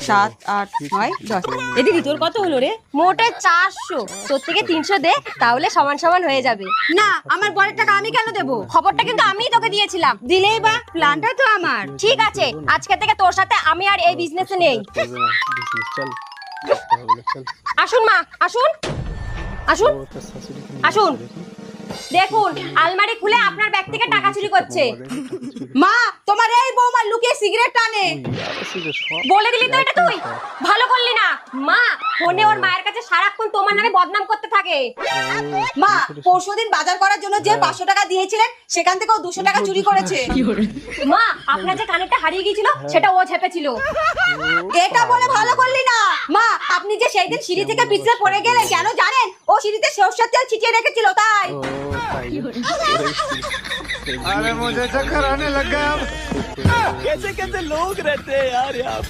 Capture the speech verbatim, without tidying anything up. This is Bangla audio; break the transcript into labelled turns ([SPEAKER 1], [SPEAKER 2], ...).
[SPEAKER 1] সাত আট নয় দশ।
[SPEAKER 2] এ দিদি তোর কত হলো রে?
[SPEAKER 3] মোটে চারশো, তোর থেকে তিনশো দে, তাহলে সমান সমান হয়ে যাবে।
[SPEAKER 1] না, আমার বরের টাকা আমি কেন দেবো?
[SPEAKER 3] খবরটা কিন্তু আমিই তোকে দিয়েছিলাম।
[SPEAKER 1] দিলেই বা, প্ল্যানটা তো আমার।
[SPEAKER 3] ঠিক আছে, আজকে থেকে তোর সাথে আমি আর এই বিজনেসে নেই।
[SPEAKER 4] চল
[SPEAKER 3] আসুন মা, আসুন আসুন আসুন। দেখুন, আলমারি খুলে আপনার ব্যাগ থেকে টাকা চুরি করছে।
[SPEAKER 1] মা, তোমার এই বৌমা লুকিয়ে সিগারেট টানে।
[SPEAKER 3] বলে দিলি তো এটা তুই? ভালো করলি না। মা, ফোনে ওর মায়ের কাছে সারাক্ষণ তোমার নামে বদনাম করতে থাকে।
[SPEAKER 1] মা, পরশুদিন বাজার করার জন্য যে পাঁচশো টাকা দিয়েছিলেন, সেখান থেকে ও দুশো টাকা চুরি করেছে।
[SPEAKER 3] মা, আপনার যে কানেরটা হারিয়ে গিয়েছিল সেটা ও ঝেপেছিল।
[SPEAKER 1] এটা বলে ভালো করলি না। মা, আপনি যে সেই দিন সিঁড়ি থেকে পিছলে পড়ে গেলেন, কেন জানেন? ও সিঁড়িতে সরষের তেল ছিটিয়ে রেখেছিল তাই।
[SPEAKER 5] अरे मुझे चक्कर आने लग गया अब। कैसे कैसे लोग रहते हैं यार यहाँ।